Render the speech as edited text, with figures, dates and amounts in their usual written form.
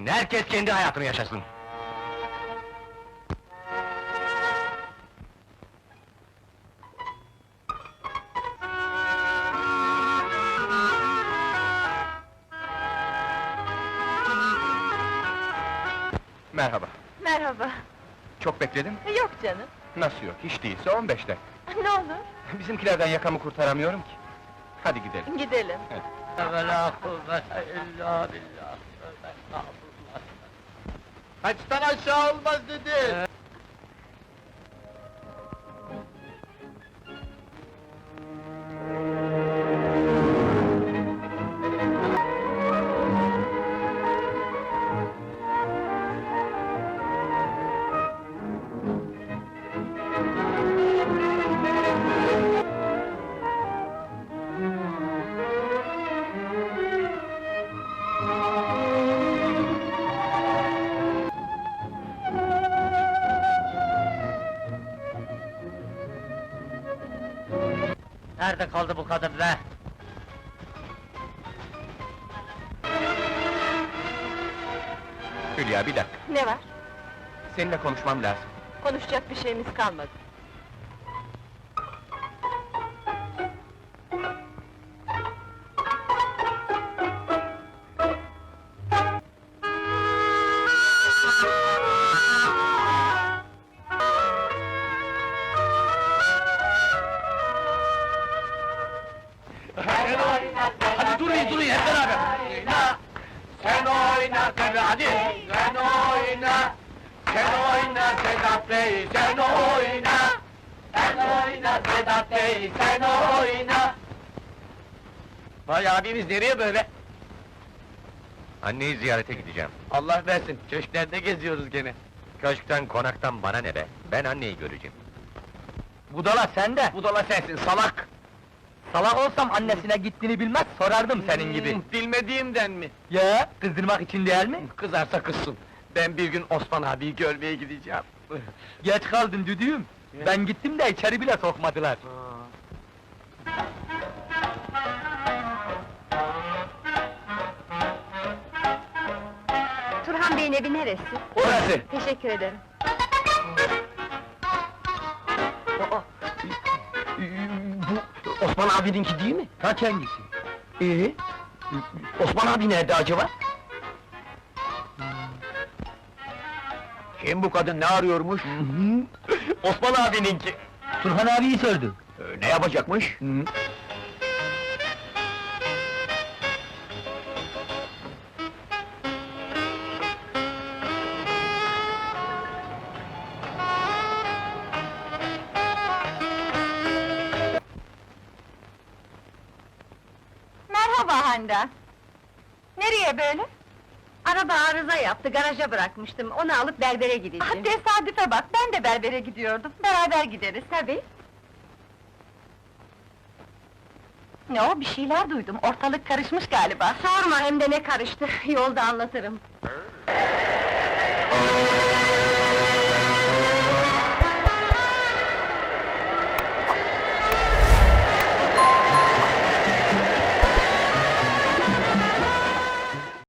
Herkes kendi hayatını yaşasın. Merhaba. Merhaba. Çok bekledim. Yok canım. Nasıl yok? Hiç değilse 15 dakika. Ne olur, Bizimkilerden yakamı kurtaramıyorum ki. Hadi gidelim. gidelim. Ve la kuvvete illa billah. Estağfurullah. Kaçtan aşağı olmaz dedi. Nerede kaldı bu kadın be? Hülya, bir dakika. Ne var? Seninle konuşmam lazım. Konuşacak bir şeyimiz kalmadı. Hadi durun hep beraber! Sen oyna tabi hadi! Sen oyna! Sen oyna Sedat Bey, sen oyna! Sen oyna Sedat Bey, sen oyna! Vay abimiz nereye böyle? Anneyi ziyarete gideceğim. Allah versin, köşklerde geziyoruz gene. Köşkten, konaktan bana ne be? Ben anneyi göreceğim. Budala sen de! Budala sensin, salak! Salak olsam annesine gittiğini bilmez, sorardım senin gibi. Bilmediğimden mi? Ya, kızdırmak için değil mi? Kızarsa kızsın. Ben bir gün Osman abiyi görmeye gideceğim. Geç kaldın düdüğüm. Ben gittim de içeri bile sokmadılar. Turhan Bey'in evi neresi? Orası! Teşekkür ederim. Bu Osman abininki değil mi? Kaç hangisi? Osman abi nerede acaba? Kim bu kadın, ne arıyormuş? Osman abininki! Turhan abiyi sordu. Ne yapacakmış? Merhaba Handan. Nereye böyle? Araba arıza yaptı, garaja bırakmıştım. Onu alıp berbere gideceğim. Tesadüfe bak, ben de berbere gidiyordum. Beraber gideriz. Tabii. Ne o, bir şeyler duydum. Ortalık karışmış galiba. Sorma, hem de ne karıştı. Yolda anlatırım.